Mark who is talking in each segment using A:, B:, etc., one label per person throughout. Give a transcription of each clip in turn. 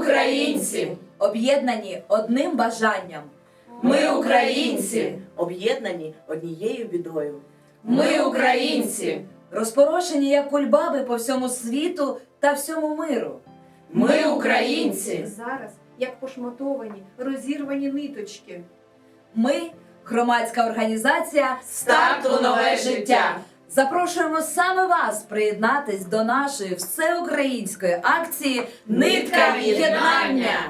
A: українці,
B: об'єднані одним бажанням.
A: ми українці,
C: об'єднані однією бідою.
A: ми українці,
B: Розпорошені, як кульбаби по всьому світу та всьому миру.
A: ми українці,
D: Зараз, як пошматовані, розірвані ниточки.
B: Ми, громадська організація
A: старт у нове життя.
B: запрошуємо саме вас приєднатись до нашої всеукраїнської акції
A: Нитка єднання.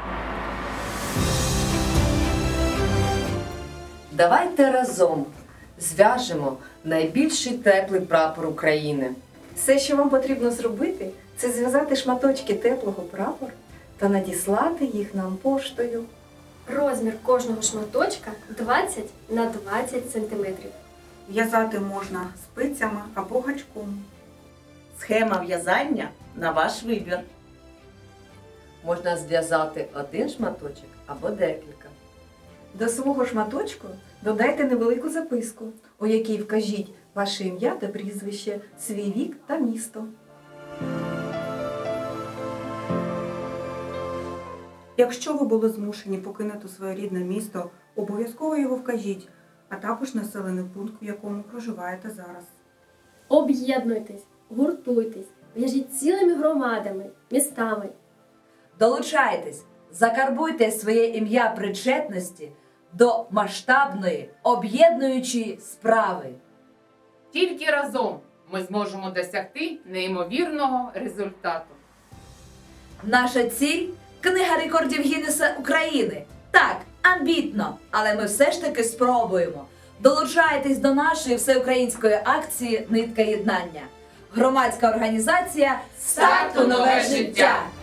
E: Давайте разом зв'яжемо найбільший теплий прапор України.
D: Все, що вам потрібно зробити, це зв'язати шматочки теплого прапора та надіслати їх нам поштою.
F: Розмір кожного шматочка 20 на 20 см.
G: В'язати можна спицями або гачком.
C: Схема в'язання на ваш вибір.
E: Можна зв'язати один шматочок або декілька.
D: До свого шматочку додайте невелику записку, у якій вкажіть ваше ім'я та прізвище, свій вік та місто.
G: Якщо ви були змушені покинути своє рідне місто, обов'язково його вкажіть, а також населений пункт, в якому проживаєте зараз.
F: Об'єднуйтесь, гуртуйтесь, в'яжіть цілими громадами, містами.
B: Долучайтесь, закарбуйте своє ім'я причетності до масштабної, об'єднуючої справи.
A: Тільки разом ми зможемо досягти неймовірного результату.
B: Наша ціль – Книга рекордів Гіннеса України. Так, амбітно, але ми все ж таки спробуємо. Долучайтесь до нашої всеукраїнської акції «Нитка єднання». Громадська організація
A: Старт у нове життя.